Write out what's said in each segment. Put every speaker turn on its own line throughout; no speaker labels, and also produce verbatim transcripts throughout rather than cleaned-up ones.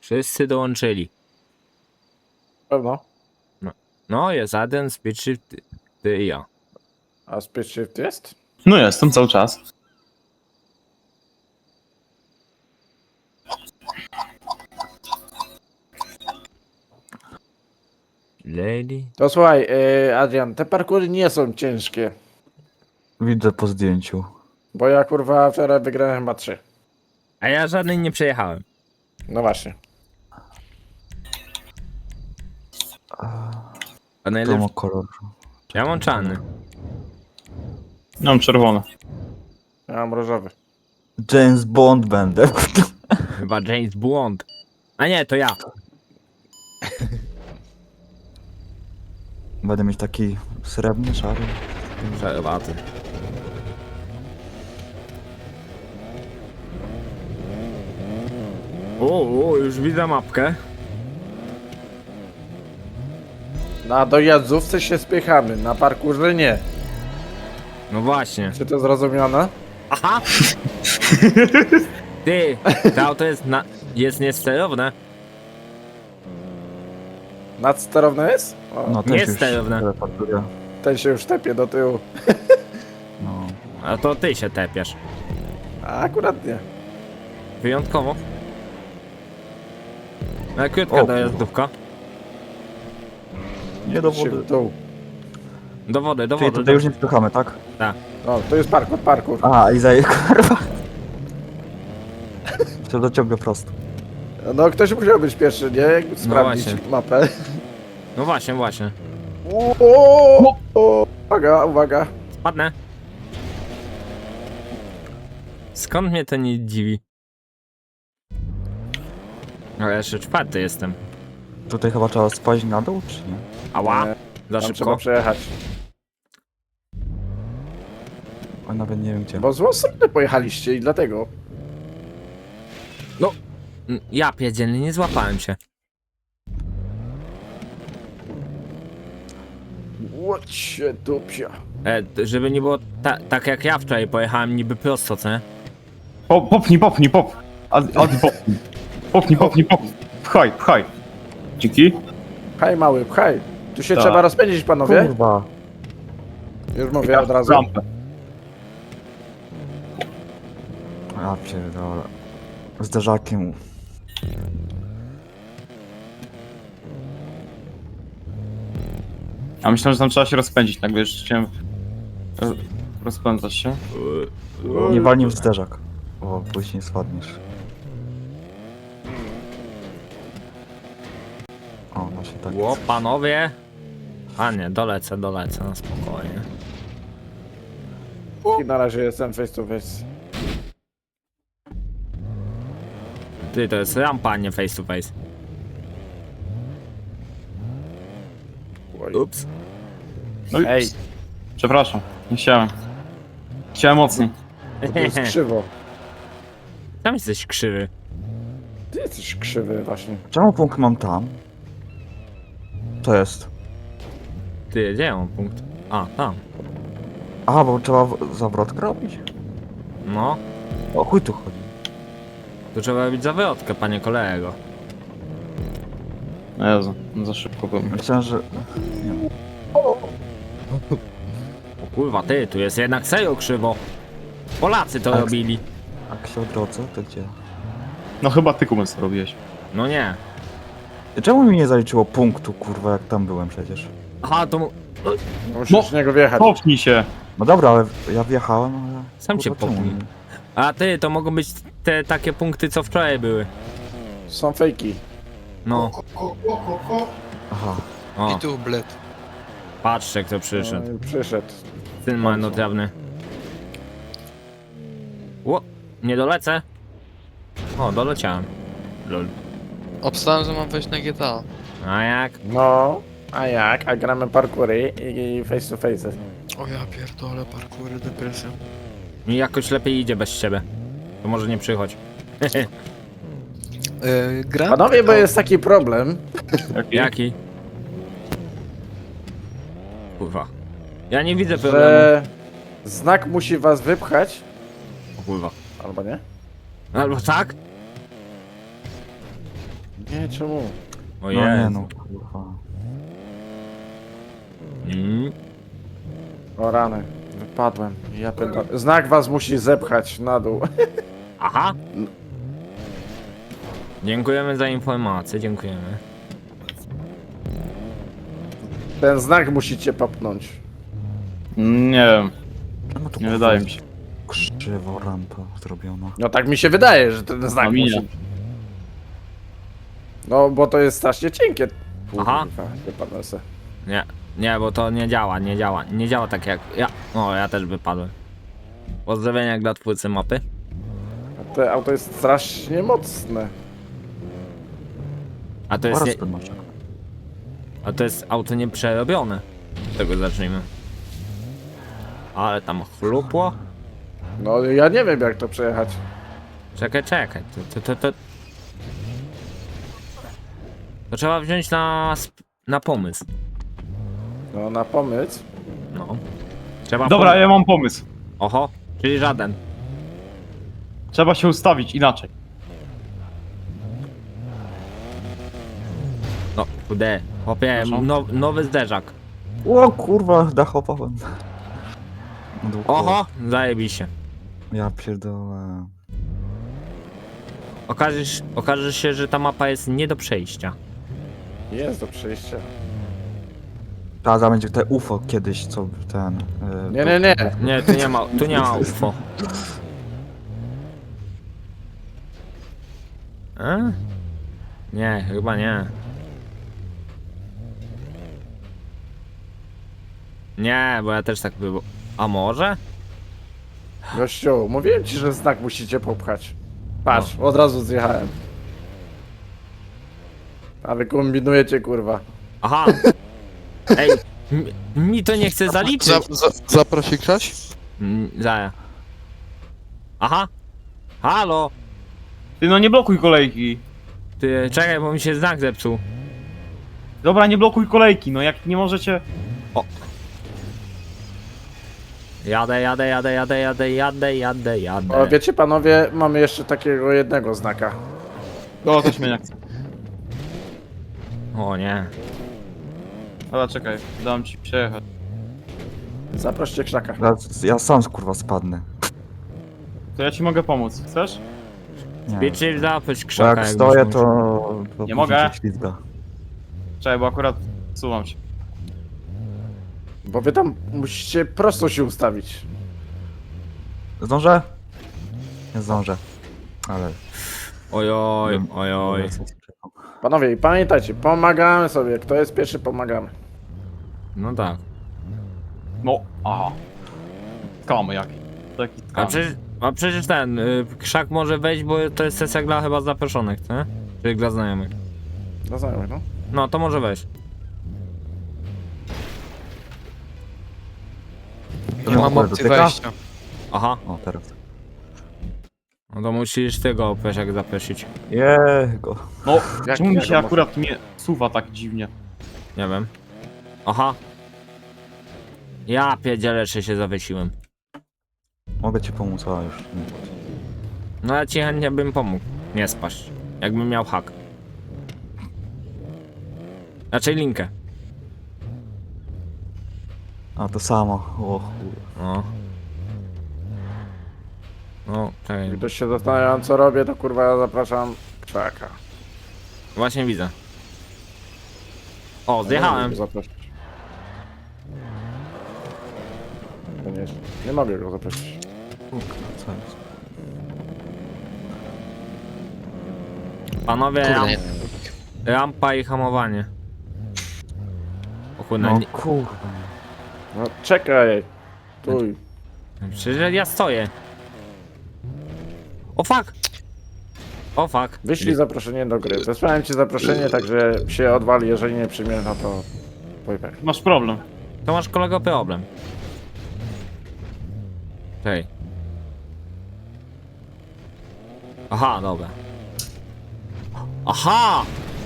Wszyscy dołączyli.
Pewno.
No, jest jeden, speed shift, ty, ty i ja.
A speed shift jest?
No jestem cały czas.
Lady.
To słuchaj, yy, Adrian, te parkury nie są ciężkie.
Widzę po zdjęciu.
Bo ja kurwa wczoraj wygrałem chyba trzy.
A ja żadnej nie przejechałem.
No właśnie.
A
To
najlepszy...
ma kolor.
Ja mam czarny.
No, mam czerwone.
Ja mam różowy.
James Bond będę.
Chyba James Bond. A nie, to ja.
Będę mieć taki srebrny, szary.
Przerwaty. O, o, już widzę mapkę.
Na dojazdówce się spychamy, na parkurze nie.
No właśnie.
Czy to zrozumiane?
Aha! Ty, to auto jest na... jest niesterowne.
Nadsterowne jest? O,
No,
Nie
też już
sterowne.
teleportuję.
ten się już tepie do tyłu.
No.
A to ty się tepiesz.
A akurat nie.
Wyjątkowo. Na krótka
O,
dojazdówka.
Nie do
Się
wody.
w dół.
Do wody, do
Czyli
wody.
tutaj już nie spychamy, tak?
O, to jest parkur, parkur.
A, i zaje, kurwa. To dociągę prosto.
No ktoś musiał być pierwszy, nie? Jak sprawdzić
właśnie.
mapę.
No właśnie, właśnie.
O, o, o, uwaga, uwaga.
Spadnę. Skąd mnie to nie dziwi? Ale jeszcze czwarty jestem.
Tutaj chyba trzeba spaść na dół, czy nie?
Ała!
Nie,
Za
Tam trzeba
szybko.
przejechać.
O, nawet nie wiem gdzie.
Bo w złą stronę pojechaliście i dlatego.
Mm, Ja pierdzielny, nie złapałem się.
Łocie dupia.
E, t- żeby nie było ta, tak jak ja wczoraj pojechałem niby prosto, co nie?
Po, popnij, popnij, pop. Adi, Adi, popnij. Popnij, popnij, popnij. Pchaj, pchaj. Dzięki.
Hej mały, hej. Tu się
Tak.
trzeba rozpędzić, panowie.
Kurwa.
Już mówię od razu.
Rampę.
Ja pierdolę. Zderzakiem.
A myślałem, że tam trzeba się rozpędzić, tak wiesz, chciałem roz- rozpędzać się.
Nie walnij w zderzak. O, później spadniesz. O, no się tak.
Ło, panowie! A nie, dolecę, dolecę, no spokojnie.
I na razie jestem face to face.
Ty, to jest rampa, a nie face to face.
Oj.
Ups.
No i
Ej,
przepraszam, nie chciałem. Chciałem mocniej.
to jest krzywo.
Tam jesteś krzywy.
Ty jesteś krzywy właśnie.
Czemu punkt mam tam? To jest.
Ty, gdzie ja mam punkt? A, tam.
Aha, bo trzeba w- zawrotkę robić?
No,
O chuj tu chodzi.
tu trzeba robić zawrotkę, panie kolego.
No Jezu, no za szybko byłem.
Myślałem, że... Nie.
O kurwa, ty, tu jest jednak serio krzywo. Polacy to
Tak.
robili.
Jak się odrodzę, to gdzie?
No chyba ty kumys to robiłeś.
No nie.
Czemu mi nie zaliczyło punktu, kurwa, jak tam byłem przecież?
Aha, to mu...
Musisz
No.
z niego wjechać.
Popnij się!
No dobra, ale ja wjechałem, ale...
Sam cię
kurwa, czemu
popnij.
nie?
A ty, to mogą być te takie punkty, co wczoraj były.
Są fejki.
No.
Aha.
O,
I tu bled.
patrzcie kto przyszedł.
No i przyszedł.
Syn marnotrawny. Ło, nie dolecę. O, doleciałem. Lol.
Obstałem, że mam wejść na G T A.
A jak?
No, a jak? A gramy parkury i i face to face.
O ja pierdolę, parkury, depresja.
Mi jakoś lepiej idzie bez ciebie. To może nie przychodź.
Yy, gra?
Panowie, bo jest taki problem.
Jaki?
Jaki? Kurwa. Ja nie widzę problemu.
Że znak musi was wypchać,
O kurwa.
albo nie?
Albo tak?
Nie, czemu?
O
No
Jezu.
nie no, kurwa.
Mm.
O rany, wypadłem. Ja pierdolę. Znak was musi zepchać na dół.
Aha. Dziękujemy za informację, dziękujemy.
Ten znak musicie popchnąć.
Nie wiem,
No to
nie
kurwa
wydaje mi się.
krzywo rampa zrobiona.
No tak mi się wydaje, że ten znak
A mi nie.
musi... No, bo to jest strasznie cienkie.
Aha.
Kurwa, wypadłem se.
Nie, nie, bo to nie działa, nie działa. Nie działa tak jak ja. O, ja też wypadłem. Pozdrowienia dla twórcy mapy.
A te auto jest strasznie mocne.
A to jest,
Oraz
nie,
ten masz.
a to jest auto nieprzerobione. Z tego zacznijmy. Ale tam chlupło.
No, ja nie wiem jak to przejechać.
Czekaj, czekaj. To, to, to, to... to trzeba wziąć na, sp- na pomysł.
No, na pomysł.
No. Trzeba
Dobra,
pom-
ja mam pomysł.
Oho, czyli żaden.
Trzeba się ustawić inaczej.
No, kude. Chłopie,
Proszę?
no, nowy zderzak.
O kurwa, dachowałem. Długo.
Oho, zajebiście.
Ja pierdolę.
Okaże, się- okaże się, że ta mapa jest nie do przejścia.
Jest do przejścia.
Ta za będzie te U F O kiedyś, co ten... e,
Nie, nie, nie.
Nie, tu nie ma, tu nie ma U F O. E? Nie, chyba nie. Nie, bo ja też tak było. A może?
Gościu, mówiłem ci, że znak musicie popchać. Patrz, od razu zjechałem. A wy kombinujecie, kurwa.
Aha. Ej, mi, mi to nie chce zaliczyć.
Za, za, zaprosi ktoś?
Mm, Zaja. Aha. Halo.
Ty no nie blokuj kolejki.
Ty, czekaj, bo mi się znak zepsuł.
Dobra, nie blokuj kolejki, no jak nie możecie...
Jadę, jadę, jadę, jadę, jadę, jadę, jadę,
O,
jadę.
wiecie panowie, mamy jeszcze takiego jednego znaka.
No, też mnie nie chce.
O nie.
Dobra, czekaj, dam ci przejechać.
Zaproście krzaka.
Ja, ja sam kurwa spadnę.
To ja ci mogę pomóc, chcesz?
Nie.
Wiecie, zapyć
Bo
krzaka.
jak
jakbyś
stoję,
musiał.
to... to
Nie
później
mogę.
się ślizga.
Czekaj, bo akurat suwam cię.
Bo wy tam musicie prosto się ustawić.
Zdążę? Nie zdążę. Ale...
Ojoj, ojoj.
Panowie, i pamiętajcie, pomagamy sobie. Kto jest pierwszy, pomagamy.
No tak.
No, aha. Skamy jaki. Taki
A
skam.
przecież, a przecież ten, y, krzak może wejść, bo to jest sesja dla chyba zaproszonych, co nie? Czyli dla znajomych.
No znajomych, no.
No, to może wejść.
To
Nie mam
mogę
opcji
dotyka?
wejścia.
Aha,
O, teraz.
no to musisz tego Pesiak zaprosić.
Jego.
No,
Jak-
czemu mi
jak
się
on
akurat nie suwa tak dziwnie?
Nie wiem. Aha. Ja pierdzielę, czy się zawiesiłem.
Mogę ci pomóc, a już. nie.
No ja ci chętnie bym pomógł. Nie spaść. Jakbym miał hak. Raczej linkę.
A to samo. O chuj.
No. No, czekaj.
Jak ktoś się zastanawiam, co robię, to kurwa ja zapraszam krzaka.
Właśnie widzę. O, zjechałem.
Nie mogę go zaprosić. Koniecznie. Nie mogę go zaprosić.
Kurwa, co jest?
Panowie,
Kurde,
ram,
nie.
rampa i hamowanie. O kurde,
No
nie,
kurwa.
No czekaj. Tuj.
przecież ja stoję. O fuck! O fuck.
Wyślij zaproszenie do gry. Wysłałem ci zaproszenie, także się odwali, jeżeli nie przyjmiesz, no to... Pojpek.
Masz problem.
To masz kolego problem. Czekaj. Aha, dobra. Aha!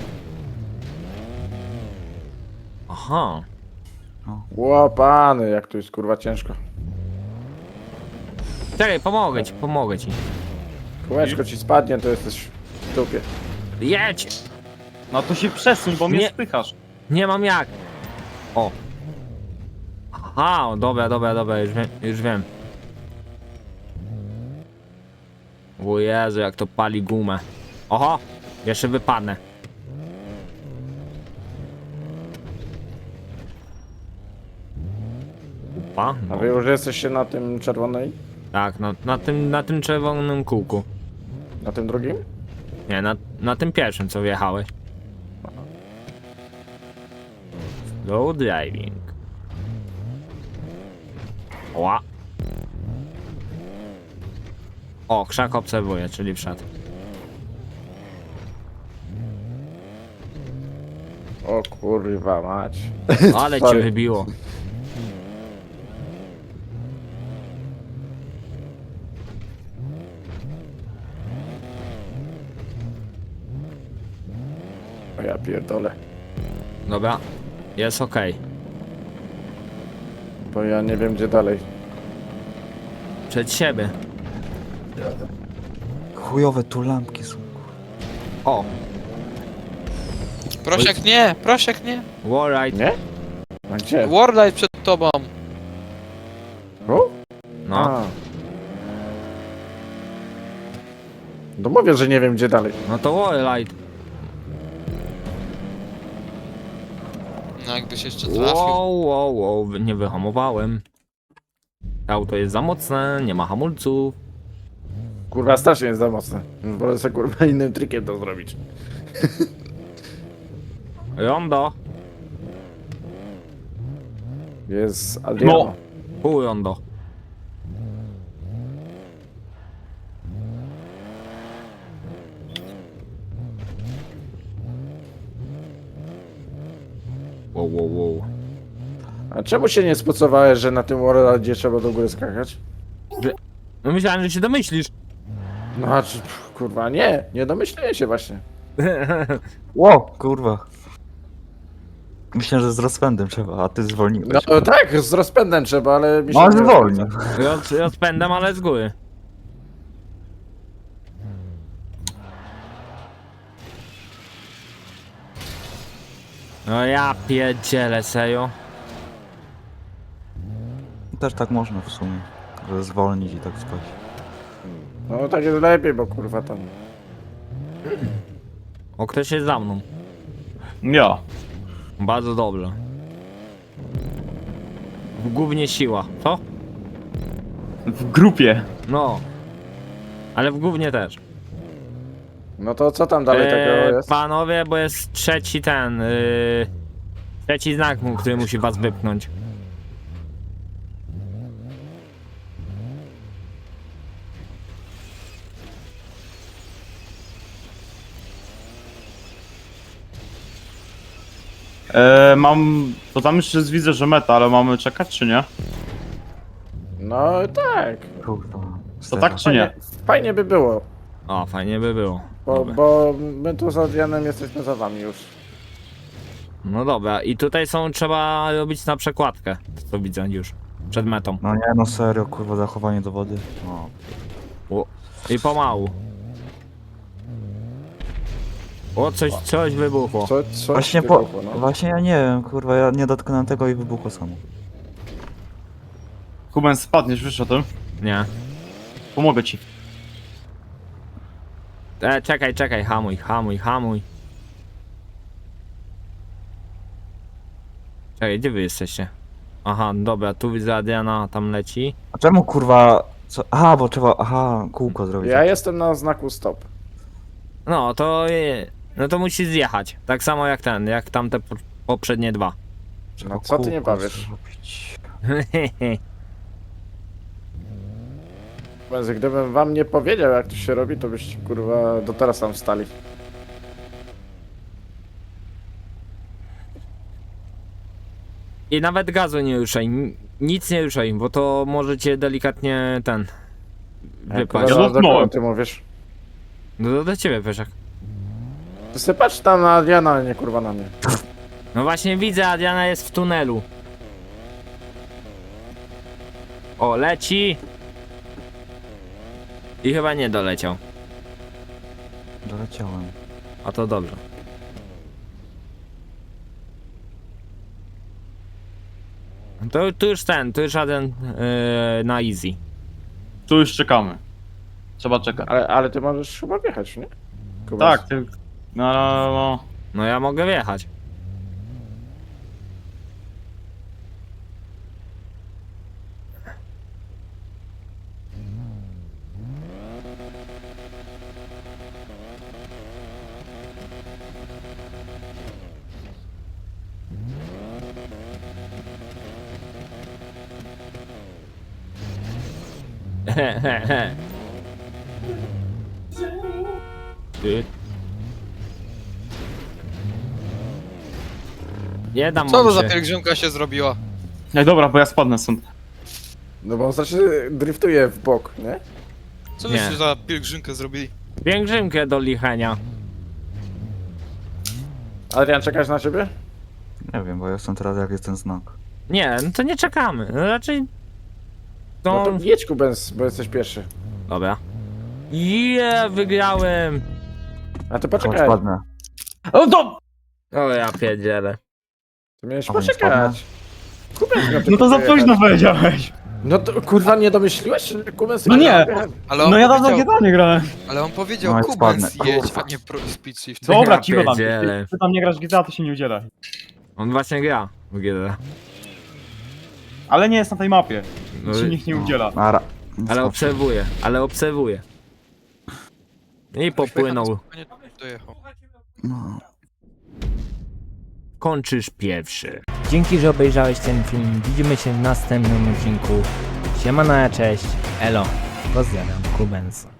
Aha.
Łopany, jak to jest kurwa ciężko.
Czekaj, pomogę ci, pomogę ci.
Kółeczko ci spadnie, to jesteś w dupie.
Jedź!
No to się przesuń, bo mnie
Nie.
spychasz.
Nie mam jak. O. Aha, o, dobra, dobra, dobra, już wiem, już wiem. O Jezu, jak to pali gumę. Oho, jeszcze wypadnę. Upa,
A
no.
wy już jesteście na tym czerwonej?
Tak, na, na, tym, na tym czerwonym kółku.
Na tym drugim?
Nie, na, na tym pierwszym, co wjechałeś. Slow driving. Ła. O, krzak obserwuje, czyli wszedł.
O kurwa mać.
Ale cię
Sorry.
wybiło.
O ja pierdolę.
Dobra, jest okej.
Bo ja nie wiem gdzie dalej.
Przed siebie.
Chujowe tu lampki są.
O,
Prosiak nie, prosiak nie.
wallride.
Nie? A gdzie?
Warlight przed tobą.
Tu?
No,
A. No mówię, że nie wiem gdzie dalej.
no to wallride.
No jakbyś jeszcze trafił.
Wow, wow, wow, nie wyhamowałem. Auto jest za mocne, nie ma hamulców.
Kurwa strasznie jest za mocne. Wolę sobie kurwa innym trikiem to zrobić.
Rondo,
Jest Adriano.
No.
pół rondo. Wow, wow, wow.
A czemu się nie spocowałeś, że na tym Warladzie trzeba do góry skakać?
No myślałem, że się domyślisz.
No a czy, pff, kurwa nie, nie domyśliłem się właśnie.
Ło, kurwa. Myślę, że z rozpędem trzeba, a ty zwolniłeś.
No tak, z rozpędem trzeba, ale mi się
No,
nie
zwolnił.
Roz, rozpędem, ale z góry. No ja pierdzielę, serio.
Też tak można w sumie, że zwolnić i tak spać.
No tak jest lepiej, bo kurwa tam.
O, ktoś jest za mną.
Ja.
Bardzo dobrze. Głównie siła, co?
W grupie.
No. Ale w głównie też.
No to co tam dalej takiego jest?
Panowie, bo jest trzeci ten. Yy, trzeci znak, mu- który musi was wypchnąć.
E, mam... To tam jeszcze widzę, że meta, ale mamy czekać czy nie?
No tak.
Kurwa.
To tak czy nie?
Fajnie by było,
O, fajnie by było.
bo,
Dobra.
bo my tu z Adrianem jesteśmy za wami już.
No dobra, i tutaj są, trzeba robić na przekładkę, co widzę już, przed metą.
No nie, no serio, kurwa, zachowanie do wody. No.
O, i pomału. O, coś, coś wybuchło.
Co, co
Właśnie po...
wybuchło, no.
Właśnie ja nie wiem, kurwa, ja nie dotknąłem tego i wybuchło samo.
Kuben, spadniesz, wiesz o tym?
Nie.
Pomogę ci.
E, czekaj, czekaj, hamuj, hamuj, hamuj. Czekaj, gdzie wy jesteście? Aha, dobra, tu widzę Adriana, tam leci.
A czemu, kurwa, co... Aha, bo trzeba, aha, kółko zrobić.
Ja jestem na znaku stop.
No, to... e, No to musi zjechać. Tak samo jak ten, jak tamte po- poprzednie dwa.
Trzeba
No co ty nie
kółko
powiesz?
zrobić.
Więc gdybym wam nie powiedział jak to się robi, to byście kurwa do teraz tam stali.
I nawet gazu nie ruszaj, ni- nic nie ruszaj, bo to możecie delikatnie ten... Wypaść.
Ja
Kurwa, do kogo
dotknąłem.
ty mówisz?
No to do ciebie, Peszak.
Ty sobie patrz tam na Adriana, a nie kurwa na mnie.
No właśnie widzę, Adriana jest w tunelu. O, leci. I chyba nie doleciał.
Doleciałem.
A to dobrze. To tu już ten, tu już żaden yy, na easy.
Tu już czekamy. Trzeba czekać.
Ale, ale ty możesz chyba wjechać, nie? Kubas.
Tak, ty... No, no, no.
No ja mogę wjechać. Ty. Nie dam
Co to
wam
za
się.
pielgrzymka się zrobiła?
Nie, dobra, bo ja spadnę stąd.
No bo on znaczy driftuje w bok, nie?
Co
Nie.
byście za pielgrzymkę zrobili?
Pielgrzymkę do lichenia.
Adrian, czekać na ciebie?
Nie wiem, bo ja jestem teraz jak jest ten znak.
Nie, no to nie czekamy. No raczej...
No
No,
to jedź Kubens, bo jesteś pierwszy.
dobra. Je, wygrałem!
A ty
Chodź,
poczekaj.
O,
padnę.
No to...
O ja pierdzielę.
Ty miałeś
A on
poczekać. Kubens miał
No to za
tylko
późno
jechać.
powiedziałeś.
No to kurwa nie domyśliłeś się, że Kubens
No nie.
Ale on
No ja dawno
powiedział,
G T A nie grałem.
ale on powiedział
No i
Kubens
spadnę.
jedź, a nie pro speed shift.
Dobra,
Ja
cicho tam.
pierdzielę.
Ty, ty tam nie grasz w G T A, to się nie udziela.
On właśnie gra w G D.
Ale nie jest na tej mapie.
No,
Się nikt nie udziela.
Nara.
ale obserwuję, ale obserwuję. I popłynął.
Nie dojechał.
No.
Kończysz pierwszy.
Dzięki, że obejrzałeś ten film. Widzimy się w następnym odcinku. Siemana, cześć. Elo. Pozdrawiam, Kubens.